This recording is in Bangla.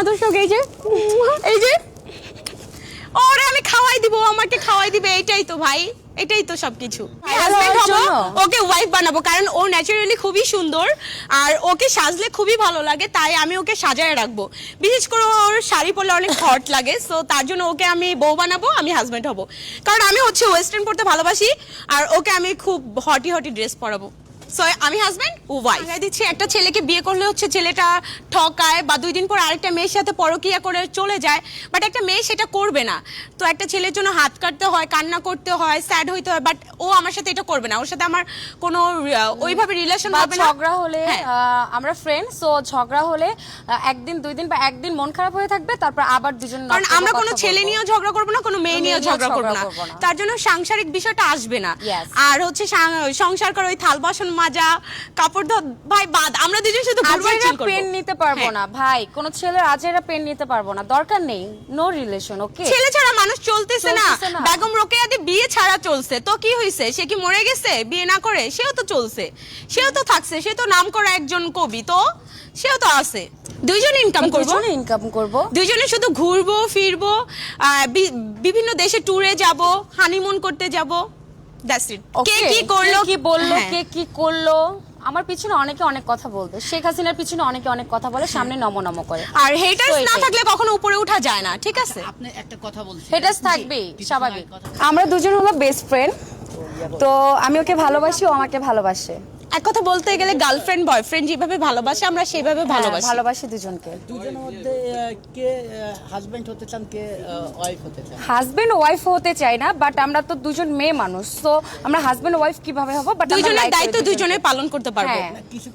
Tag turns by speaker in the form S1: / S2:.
S1: দর্শক এই যে ওরে আমি খাওয়াই দিব, আমাকে খাওয়াই দিবে, এটাই তো ভাই, এটাই তো সবকিছু। হাজবেন্ড হবো, ওকে ওয়াইফ বানাবো, কারণ ও ন্যাচারালি খুবই সুন্দর আর ওকে সাজলে খুবই ভালো লাগে, তাই আমি ওকে সাজায় রাখবো। বিশেষ করে ওর শাড়ি পরলে অনেক হট লাগে, সো তার জন্য ওকে আমি বউ বানাবো, আমি হাজবেন্ড হবো। কারণ আমি হচ্ছে ওয়েস্টার্ন পরতে ভালোবাসি আর ওকে আমি খুব হটি হটি ড্রেস পরাবো। সো আমি হাজবেন্ড, ও ওয়াইফ। আমি দিচ্ছি একটা ছেলেকে বিয়ে করলে হচ্ছে ছেলেটা ঠকায় বা 2 দিন পর আরেকটা মেয়ের সাথে পরকীয়া করে চলে যায়, বাট একটা মেয়ে সেটা করবে না। তো একটা ছেলের জন্য হাত কাটতে হয়, কান্না করতে হয়, স্যাড হইতে হয়, বাট ও আমার সাথে এটা করবে না। ওর সাথে আমার কোনো ওইভাবে রিলেশন হবে না।
S2: ঝগড়া হলে আমরা ফ্রেন্ড, সো ঝগড়া হলে একদিন 2 দিন বা একদিন মন খারাপ হয়ে থাকবে, তারপর আবার দুজন।
S1: কারণ আমরা কোনো ছেলে নিয়েও ঝগড়া করবো না, কোনো মেয়ে নিয়েও ঝগড়া করবো না, তার জন্য সাংসারিক বিষয়টা আসবে না। আর হচ্ছে সংসার করে ওই থাল বাসন মাজা, কাপড় ধোয়া, ভাই বাদ, আমরা দুজন শুধু
S2: পেন নিতে পারবো না ভাই, কোন ছেলের আজেরা পেন নিতে পারবো না, দরকার নেই, নো রিলেশন। ওকে,
S1: ছেলে ছাড়া মানুষ চলতেছে না। বেগম রোকেয়াদি বিয়ে ছাড়া চলছে, তো কি হইছে? সে কি মরে গেছে বিয়ে না করে? সেও তো চলছে, সেও তো থাকছে, সে তো নাম করা একজন কবি, তো সেও তো আছে। দুইজনে ইনকাম করবো, দুইজনে শুধু ঘুরবো ফিরবো, বিভিন্ন দেশে ট্যুরে যাব, হানিমুন করতে যাব, দ্যাটস ইট। কে কি করলো,
S2: কি বললো, কে কি করলো, আমার পিছনে অনেকে অনেক কথা বলবে। শেখ হাসিনার পিছনে অনেকে অনেক কথা বলে, সামনে নম করে।
S1: আর হেটার্স না থাকলে কখনো উপরে ওঠা যায় না, ঠিক আছে?
S3: আপনি একটা কথা বলছেন,
S2: হেটার্স থাকবেই, স্বাভাবিক। আমরা দুজন হলো বেস্ট ফ্রেন্ড, তো আমি ওকে ভালোবাসি, ও আমাকে ভালোবাসে।
S1: এক কথা বলতে গেলে গার্লফ্রেন্ড বয়ফ্রেন্ড যেভাবে ভালোবাসে আমরা সেভাবে
S2: ভালোবাসি দুজনকে।
S3: দুজনের মধ্যে কে হাজবেন্ড হতে চান, কে ওয়াইফ হতে চান?
S2: হাজবেন্ড ওয়াইফ হতে চাই না, বাট আমরা তো দুজন মেয়ে মানুষ, তো আমরা হাজবেন্ড ওয়াইফ কিভাবে হব, বাট
S1: দুইজনের দায়িত্ব দুইজনে পালন করতে পারবো।
S3: কিছু